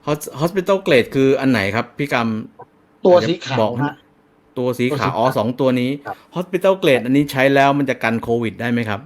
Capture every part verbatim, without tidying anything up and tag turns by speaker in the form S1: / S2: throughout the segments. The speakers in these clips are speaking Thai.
S1: Hospital Grade คืออันไหนครับพี่กำ
S2: ตัว
S1: อาจจะ
S2: สีขา
S1: บ
S2: ว
S1: อก
S2: ฮะ
S1: ตัวสี
S2: ตัว
S1: ขา
S2: สี
S1: วอ๋อ
S2: ขาว
S1: สอง ตัวนี้
S2: ครับ
S1: Hospital Grade อันนี้ใช้แล้วมันจะกันโควิดได้ไหมครับ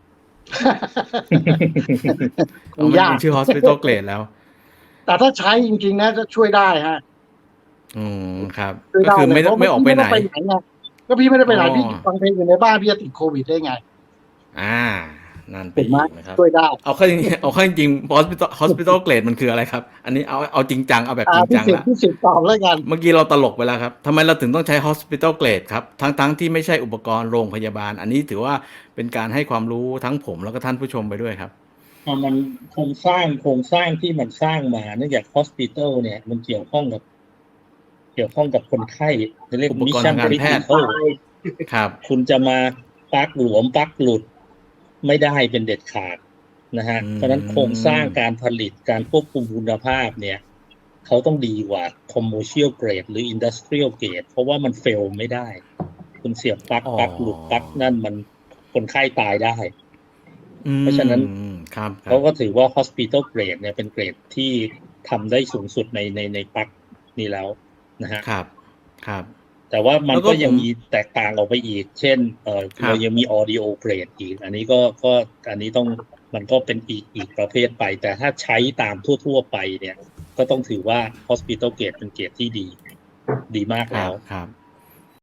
S2: ค
S1: อ๋อ
S2: ง
S1: มัน
S2: ยา
S1: มัน
S2: ก
S1: ชื่อ Hospital Grade แล้ว
S2: แต่ถ้าใช้จริง ๆ นะจะช่วยได้ครับ
S1: อืม ครับ
S2: ช่วย
S1: ก็
S2: ได้
S1: คือ
S2: เล
S1: ไม่
S2: ย เพราะ
S1: ไม่ออกไป
S2: พี่ไม่
S1: ไหน
S2: ได้ไปไหนไง ก็พี่ไม่ได้ไปไหน
S1: อ๋อ
S2: พี่ฟังเพลงอยู่ในบ้าน พี่จะติดโควิดได้ไง?
S1: อา นั่นไป
S2: ถูกไห
S1: อ
S2: ม?
S1: ีกนะครับ
S2: ช่วยได้
S1: เอาเข้า จริง เอาเข้าจริง ๆ Hospital Hospital Grade มันคืออะไรครับ? อันนี้เอา เอาจริงจัง เอาแบบ
S2: อ่า
S1: จริง
S2: พ
S1: จิัง
S2: สิ
S1: แ
S2: ทธ
S1: ล้
S2: ์
S1: ว
S2: พี่สิทธิ์ตอบแล้วกัน
S1: เมื่อกี้เราตลกไปแล้วครับ ทำไมเราถึงต้องใช้ Hospital Grade ครับ ทั้ง ๆ ที่ไม่ใช่อุปกรณ์โรงพยาบาล อันนี้ถือว่าเป็นการให้ความรู้ทั้งผมแล้วก็ท่านผู้ชมไปด้วยครับ
S3: พอมันโครงสร้าง โครงสร้างที่มันสร้างมา เนื่องจาก Hospital เนี่ยมันเกี่ยวข้องกับ เกี่ยวข้องกับคนไข้ จะเรียก
S1: อุปกรณ์
S3: Mission
S1: ทางการแพทย์
S3: Critical
S1: ครับ
S3: คุณจะมาปลั๊กหลวม ปลั๊กหลุด ไม่ได้เป็นเด็ดขาดนะครับ
S1: อื
S3: เพราะฉะนั้นโครงสร้าง
S1: ม
S3: การผลิต การควบคุมคุณภาพเนี่ย เขาต้องดีกว่า Commercial Grade หรือ Industrial Grade เพราะว่ามัน fail ไม่ได้ คุณเสียบปลั๊ก
S1: อ๋อ
S3: ปลั๊กหลุด ปลั๊กนั่น มัน คนไข้ตายได้
S1: อื
S3: เพราะฉะนั้น
S1: ม ครับ
S3: เขา ก็ถือว่า Hospital Grade เนี่ยเป็นเกรดที่ทำได้สูงสุดใน ใน ในปลั๊กนี้แล้วนะครับ
S1: ครับ ครับ
S3: แต่ว่ามั
S1: แ
S3: น
S1: ล้วก็
S3: ก็ยั
S1: ผม
S3: งมีแตกต่างออกไปอีก เช่น เอ่อ
S1: คร
S3: เรา
S1: ับ
S3: ยังมี Audio Grade อีก อันนี้ก็ ก็ อันนี้ต้อง มันก็เป็นอีก อีกประเภทไป แต่ถ้าใช้ตามทั่ว ๆ ไปเนี่ย ก็ต้องถือว่า Hospital Grade เป็นเกรดที่ดี ดีมาก
S1: ค
S3: แล
S1: ร้ั
S3: ว
S1: บ ครับ